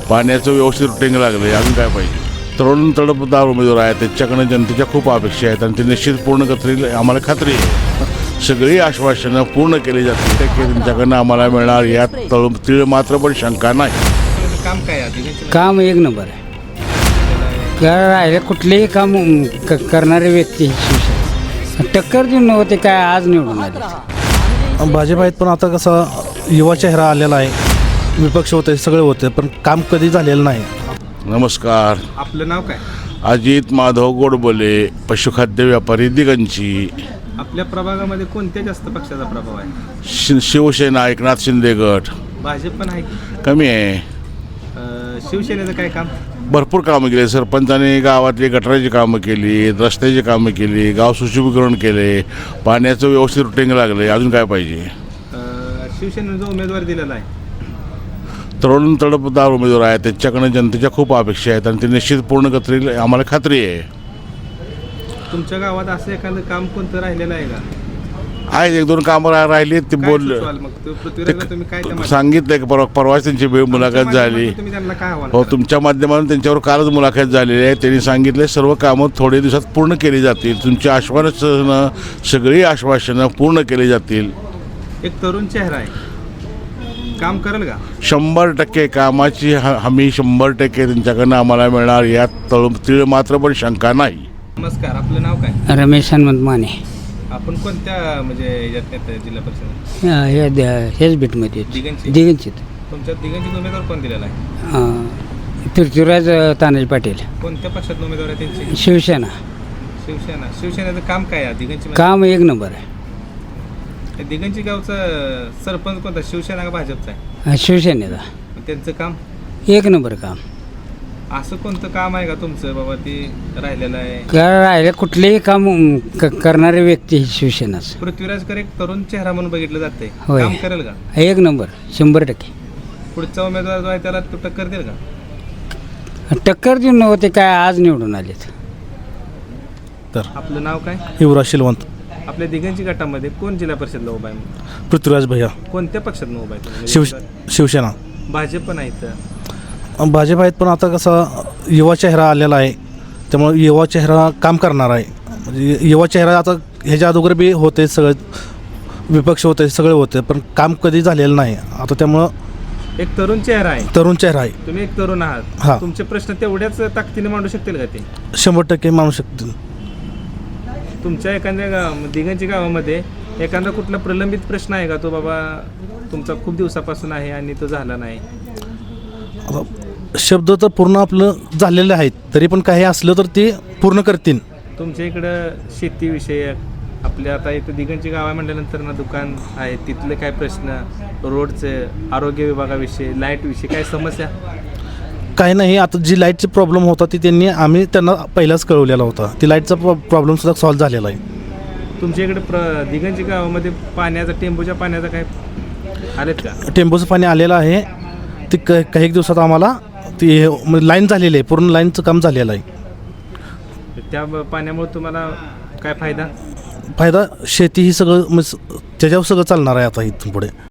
पाण्याचं व्यवस्थित रुटीन लागलं अजून काय पाहिजे. तरुण तडफदार उमेदवार आहेत, त्याच्याकडनं जनतेच्या खूप अपेक्षा आहेत आणि ते निश्चित पूर्ण करतील आम्हाला खात्री आहे. सगळी आश्वासनं पूर्ण केली जातील ते त्यांच्याकडनं आम्हाला मिळणार यात तीळ मात्र पण शंका नाही. काम काय आहे? काम एक नंबर आहे. राहिले कुठलेही काम करणारे व्यक्ती टक्कर देऊन नव्हते काय आज निवडून आले. भाजप आहेत पण आता कसं युवा चेहरा आलेला आहे, विपक्ष होते सगळे होते पण काम कधी झालेलं नाही. नमस्कार, आपलं नाव काय? अजित माधव गोडबोले, पशुखाद्य व्यापारी दिगंची. आपल्या प्रभागामध्ये कोणत्या जास्त पक्षाचा प्रभाव आहे? शिवसेना एकनाथ शिंदे गट भाजप पण आहे की? कमी आहे. शिवसेनेचं काय काम? भरपूर कामं केली. सरपंचाने गावातली गटाराची कामं केली, रस्त्याची कामं केली, गाव सुशोभीकरण केले, पाण्याचं व्यवस्थित रुटीन लागलं अजून काय पाहिजे. शिवसेनेनं जो उमेदवार दिलेला आहे तरुण तडफदार उमेदवार आहेत, त्याच्याकडनं जनतेच्या खूप अपेक्षा आहेत आणि ते निश्चित पूर्ण करतील आम्हाला खात्री आहे. तुमच्या गावात असं एखादं काम कोणतं राहिलेलं आहे का? आहे, एक दोन कामं राहिली ते काय बोलले सुचवाल मग? पृथ्वीराजला तुम्ही काय त्या माध्यमातून- सांगितलं परवाच त्यांची मुलाखत आमच्या झाली. माध्यमातून तुम्ही त्यांना काय आव्हान हो, कराल? तुमच्या माध्यमातून त्यांच्यावर कालच मुलाखत झालेली आहे. त्यांनी सांगितले सर्व कामं थोडे दिवसात पूर्ण केली जातील. तुमची आश्वासनं सगळी आश्वासनं पूर्ण केली जातील. एक तरुण चेहरा आहे, काम करेल का? 100% कामाची हमी 100% त्यांच्याकडनं आम्हाला मिळणार यात तीळ मात्र पण शंका नाही. नमस्कार, आपलं नाव काय? रमेश हनुमंत माने. आपण कोणत्या म्हणजे याच्यात येतं जिल्हा परिषद? हेच बीटमध्ये दिगंची? दिगंचित. तुमच्या दिगंची उमेदवार कोण दिलेला आहे? पृथ्वीराज तानाजी पाटील, कोणत्या पक्षात उमेदवार आहे त्यांची? शिवसेना. शिवसेनेचं काम काय आहे दिगंची? काम एक नंबर आहे. दिगंची गावचा सरपंच कोणता, शिवसेना का भाजपचा आहे? शिवसेनेचा त्यांचं काम एक नंबर काम. असं कोणतं काम आहे का तुमचं बाबा ते राहिलेलं आहे? राहिले कुठलेही काम करणारे व्यक्ती शिवसेनाच. पृथ्वीराजकर एक तरुण चेहरा म्हणून बघितलं जाते, होय. काम करेल का? एक नंबर 100%. पुढचा उमेदवार जो आहे त्याला तो टक्कर देईल का? टक्कर देऊन नव्हते काय आज निवडून आलेत. तर आपलं नाव काय? युवराज शिलवंत, आपल्या दिगंची गटामध्ये कोण जिल्हा परिषदला उभा आहे? पृथ्वीराज भैया, कोणत्या पक्षात उभा आहे तो? शिवसेना. भाजप पण आहे इथं. भाजप आहेत पण आता कसं युवा चेहरा आलेला आहे, त्यामुळे युवा चेहरा काम करणार आहे. म्हणजे युवा चेहरा आता ह्याच्या अगोदर बी होते सगळे, विपक्ष होते सगळे होते पण काम कधी झालेलं नाही. आता त्यामुळं एक तरुण चेहरा आहे, तरुण चेहरा आहे, तुम्ही एक तरुण हा. आहात, तुमचे प्रश्न तेवढ्याच ताकदीने मांडू शकतील का ते? 100% मानू शकतील. तुमच्या एखाद्या दिगंची गावामध्ये एखादा कुठला प्रलंबित प्रश्न आहे का तो बाबा तुमचा खूप दिवसापासून आहे आणि तो झाला नाही? आता शब्द तर पूर्ण आपलं झालेले आहेत, तरी पण काही असलं तर ते पूर्ण करतील. तुमच्या इकडं शेतीविषयक आपल्या आता इथं दिगंची गाव आहे म्हटल्यानंतर ना दुकान आहे, तिथले काय प्रश्न, रोडचे, आरोग्य विभागाविषयी, लाईटविषयी काय समस्या? काही नाही. आता जी लाईटची प्रॉब्लेम होता ती आम्ही त्यांना पहिलाच कळवलेला होता. ती लाईटचा प्रॉब्लेमसुद्धा सॉल्व्ह झालेला आहे. तुमच्या इकडे दिगंची गावामध्ये पाण्याचा, टेंबूच्या पाण्याचा काय आलेत का? टेंबूचं पाणी आलेलं आहे. ती काही दिवसात आम्हाला ती लाईन झालेली आहे, पूर्ण लाईनचं काम झालेलं आहे. त्या पाण्यामुळे तुम्हाला काय फायदा? फायदा शेती ही सगळं त्याच्यावर सगळं चालणार आहे आता इथून पुढे.